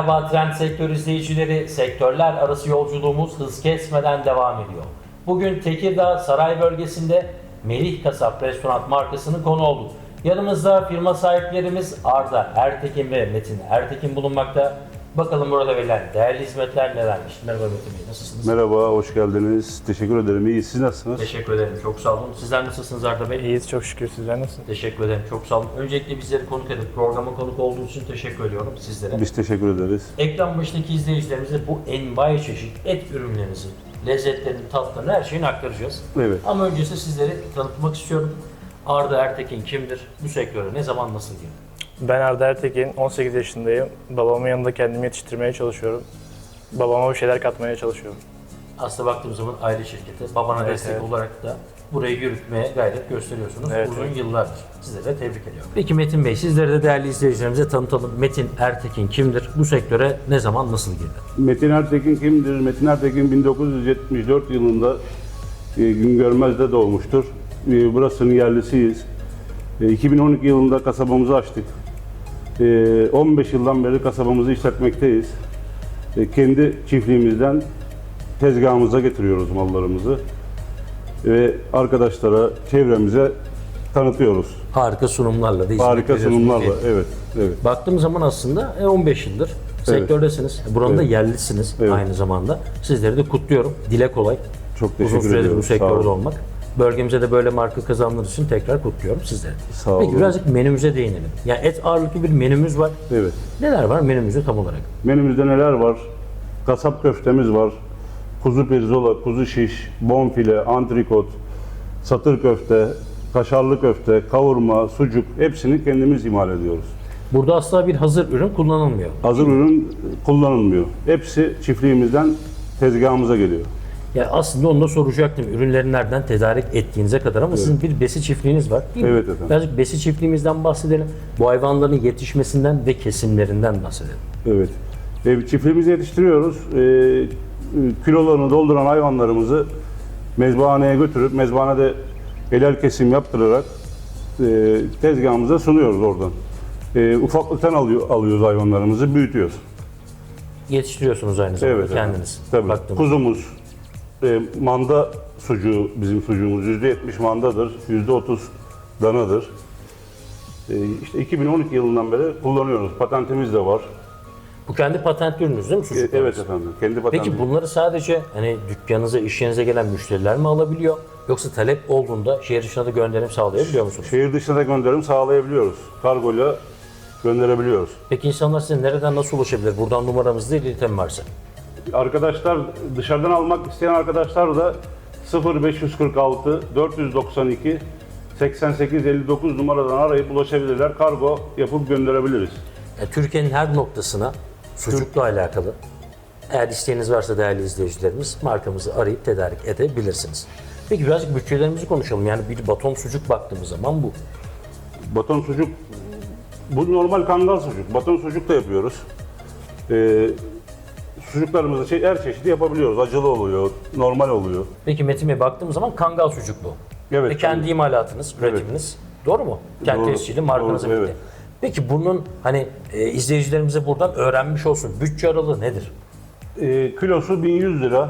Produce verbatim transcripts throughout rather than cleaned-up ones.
Merhaba Trend Sektör izleyicileri, sektörler arası yolculuğumuz hız kesmeden devam ediyor. Bugün Tekirdağ Saray bölgesinde Melih Kasap Restoran markasının konu olduk. Yanımızda firma sahiplerimiz Arda Ertekin ve Metin Ertekin bulunmakta. Bakalım burada verilen değerli hizmetler nelermiş? Merhaba Metin Bey, nasılsınız? Merhaba, hoş geldiniz. Teşekkür ederim. İyi, siz nasılsınız? Teşekkür ederim, çok sağ olun. Sizler nasılsınız Arda Bey? İyiyiz çok şükür, sizler nasılsınız? Teşekkür ederim, çok sağ olun. Öncelikle bizleri konuk edip programa konuk olduğunuz için teşekkür ediyorum sizlere. Biz teşekkür ederiz. Ekran başındaki izleyicilerimize bu envai çeşit et ürünlerinizi, lezzetlerini, tatlarını, her şeyini aktaracağız. Evet. Ama öncesinde sizleri tanıtmak istiyorum. Arda Ertekin kimdir? Bu sektöre ne zaman, nasıl girdi? Ben Arda Ertekin, on sekiz yaşındayım. Babamın yanında kendimi yetiştirmeye çalışıyorum. Babama bir şeyler katmaya çalışıyorum. Aslında baktığımız zaman aile şirketi, babana Evet, destek evet. olarak da burayı yürütmeye gayret gösteriyorsunuz. Evet, Uzun evet. yıllardır. Sizleri de tebrik ediyorum. Peki Metin Bey, sizleri de değerli izleyicilerimize tanıtalım. Metin Ertekin kimdir? Bu sektöre ne zaman, nasıl girdi? Metin Ertekin kimdir? Metin Ertekin bin dokuz yüz yetmiş dört yılında e, Güngörmez'de doğmuştur. E, burasının yerlisiyiz. E, iki bin on iki yılında kasabamızı açtık. E, on beş yıldan beri kasabamızı işletmekteyiz. E, kendi çiftliğimizden tezgahımıza getiriyoruz mallarımızı. Ve arkadaşlara, çevremize tanıtıyoruz. Harika sunumlarla da hizmet Harika veriyorsunuz sunumlarla, diye. evet, evet. Baktığım zaman aslında e, on beş yıldır sektördesiniz. Buranın da Evet. yerlisiniz Evet. aynı zamanda. Sizleri de kutluyorum. Dile kolay. Çok teşekkür Uzun süredir ediyorum. bu Sağ sektörde olun. olmak. Bölgemize de böyle marka kazandığınız için tekrar kutluyorum sizleri. Sağ Peki olun. birazcık menümüze değinelim. Yani et ağırlıklı bir menümüz var. Evet. Neler var menümüzde tam olarak? Menümüzde neler var? Kasap köftemiz var. Kuzu pirzola, kuzu şiş, bonfile, antrikot, satır köfte, kaşarlı köfte, kavurma, sucuk hepsini kendimiz imal ediyoruz. Burada asla bir hazır ürün kullanılmıyor. Hazır ürün kullanılmıyor. Hepsi çiftliğimizden tezgahımıza geliyor. Yani aslında onu da soracaktım. Ürünleri nereden tedarik ettiğinize kadar ama sizin bir besi çiftliğiniz var değil mi? Evet efendim. Birazcık besi çiftliğimizden bahsedelim. Bu hayvanların yetişmesinden ve kesimlerinden bahsedelim. Evet. E, çiftliğimizi yetiştiriyoruz. E, kilolarını dolduran hayvanlarımızı mezbahaneye götürüp mezbahanede helal kesim yaptırarak e, tezgahımıza sunuyoruz oradan. E, ufaklıktan alıyor, alıyoruz hayvanlarımızı, büyütüyoruz. Yetiştiriyorsunuz aynı zamanda Evet efendim. kendiniz. Tabii. Baktığımız. Kuzumuz, e, manda sucuğu bizim sucuğumuz yüzde yetmiş mandadır, yüzde otuz danadır. E, işte iki bin on iki yılından beri kullanıyoruz. Patentimiz de var. Bu kendi patent ürününüz değil mi E, sucuklarınız? evet efendim. Kendi patentimiz. Peki bunları sadece hani dükkanınıza, iş yerinize gelen müşteriler mi alabiliyor? Yoksa talep olduğunda şehir dışına da gönderim sağlayabiliyor musunuz? Şehir dışına da gönderim sağlayabiliyoruz. Kargoyla gönderebiliyoruz. Peki insanlar size nereden, nasıl ulaşabilir? Buradan numaramızda iletim varsa. Arkadaşlar, dışarıdan almak isteyen arkadaşlar da sıfır beş yüz kırk altı dört yüz doksan iki seksen sekiz elli dokuz numaradan arayıp ulaşabilirler. Kargo yapıp gönderebiliriz. Yani Türkiye'nin her noktasına sucukla alakalı eğer isteğiniz varsa değerli izleyicilerimiz markamızı arayıp tedarik edebilirsiniz. Peki birazcık bütçelerimizi konuşalım. Yani bir baton sucuk baktığımız zaman bu. Baton sucuk, bu normal kangal sucuk. Baton sucuk da yapıyoruz. Ee, sucuklarımızı şey, her çeşidi yapabiliyoruz. Acılı oluyor, normal oluyor. Peki Metin Bey baktığımız zaman kangal sucuk bu. Evet, Ve kendi tabii. imalatınız, üretiminiz. Doğru mu? Kendi Doğru, tescilli markanıza doğru, bitti. evet. Peki bunun hani e, izleyicilerimize buradan öğrenmiş olsun. Bütçe aralığı nedir? Ee, kilosu bin yüz lira.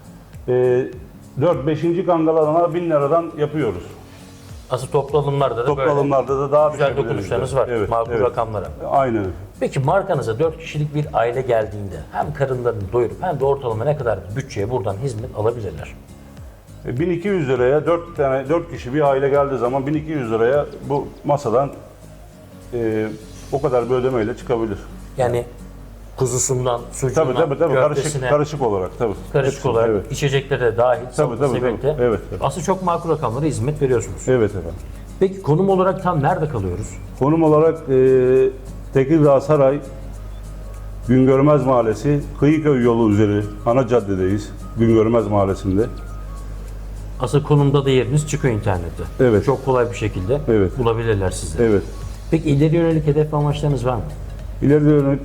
Ee, dört beşinci kangalarına bin liradan yapıyoruz. Asıl toplu alımlarda da Toplu böyle alımlarda da daha güzel düşebiliriz dokunuşlarınız de. var. Evet, Makul evet. rakamlara. Aynen. Peki markanıza dört kişilik bir aile geldiğinde hem karınlarını doyurup hem de ortalama ne kadar bir bütçeye buradan hizmet alabilirler? E, bin iki yüz liraya dört tane dört kişi bir aile geldiği zaman bin iki yüz liraya bu masadan e, o kadar bir ödemeyle çıkabilir. Yani kuzusundan, sucuğundan, Tabii tabii tabii karışık köftesine, karışık olarak tabii. karışık Hepsini, olarak evet. içeceklere de dahil, Tabii, tabii, sebekte. tabii. Evet, evet. Aslında çok makul rakamlara hizmet veriyorsunuz. Evet efendim. Peki konum olarak tam nerede kalıyoruz? Konum olarak e, Tekirdağ Saray Güngörmez Mahallesi Kıyıköy yolu üzeri ana caddedeyiz. Güngörmez Mahallesi'nde. Asıl konumda da yeriniz çıkıyor internette. Evet. Çok kolay bir şekilde Evet. bulabilirler sizleri. Evet. Peki ileri yönelik hedef ve amaçlarınız var mı? İleride yönelik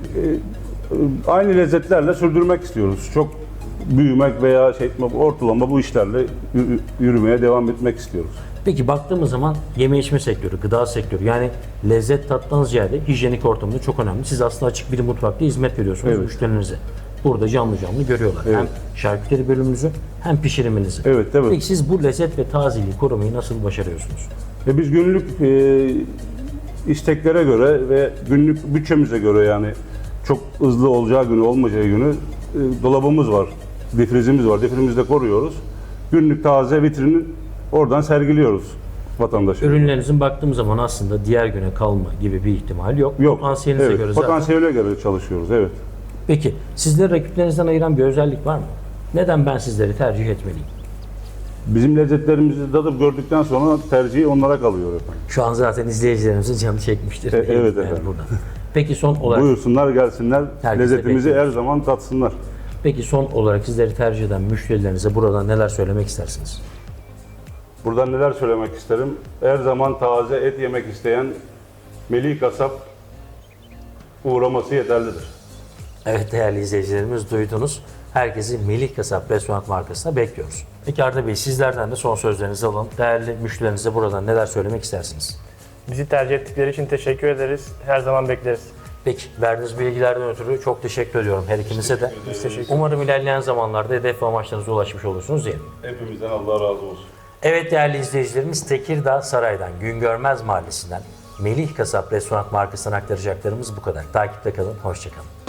e, aynı lezzetlerle sürdürmek istiyoruz. Çok büyümek veya şey etmek, ortalama bu işlerle yürü- yürümeye devam etmek istiyoruz. Peki baktığımız zaman yeme içme sektörü, gıda sektörü yani lezzet tattan ziyade hijyenik ortamı da çok önemli. Siz aslında açık bir mutfakta hizmet veriyorsunuz Evet. müşterilerinize. Burada canlı canlı görüyorlar. Evet. Hem şarküteri bölümünüzü hem pişiriminizi. Evet, evet. Peki siz bu lezzet ve tazeliği korumayı nasıl başarıyorsunuz? Ve biz günlük e, isteklere göre ve günlük bütçemize göre yani çok hızlı olacağı günü olmayacağı günü e, dolabımız var, difrizimiz var. Difrizimizde koruyoruz. Günlük taze vitrini oradan sergiliyoruz vatandaşa. Ürünlerinizin baktığım zaman aslında diğer güne kalma gibi bir ihtimal yok. Yok. Potansiyelinize Evet, göre zaten. potansiyele göre çalışıyoruz. Evet. Peki sizleri rakiplerinizden ayıran bir özellik var mı? Neden ben sizleri tercih etmeliyim? Bizim lezzetlerimizi tadıp gördükten sonra tercihi onlara kalıyor efendim. Şu an zaten izleyicilerimizin canı çekmiştir. E, evet Yani efendim. buradan. Peki son olarak Buyursunlar gelsinler, Herkese lezzetimizi her bekliyoruz. zaman tatsınlar. Peki son olarak sizleri tercih eden müşterilerinize buradan neler söylemek istersiniz? Buradan neler söylemek isterim? Her zaman taze et yemek isteyen Melih Kasap uğraması yeterlidir. Evet değerli izleyicilerimiz duydunuz. Herkesi Melih Kasap Restoran markasına bekliyoruz. Peki Arda Bey sizlerden de son sözlerinizi alalım. Değerli müşterilerinize buradan neler söylemek istersiniz? Bizi tercih ettikleri için teşekkür ederiz. Her zaman bekleriz. Peki verdiğiniz bilgilerden ötürü çok teşekkür ediyorum her ikinize de. Biz teşekkür ederiz. Umarım ilerleyen zamanlarda hedef ve amaçlarınıza ulaşmış olursunuz diyelim. Hepimizden Allah razı olsun. Evet değerli izleyicilerimiz Tekirdağ Saray'dan Güngörmez Mahallesi'nden Melih Kasap Restoran markasından aktaracaklarımız bu kadar. Takipte kalın, hoşça kalın.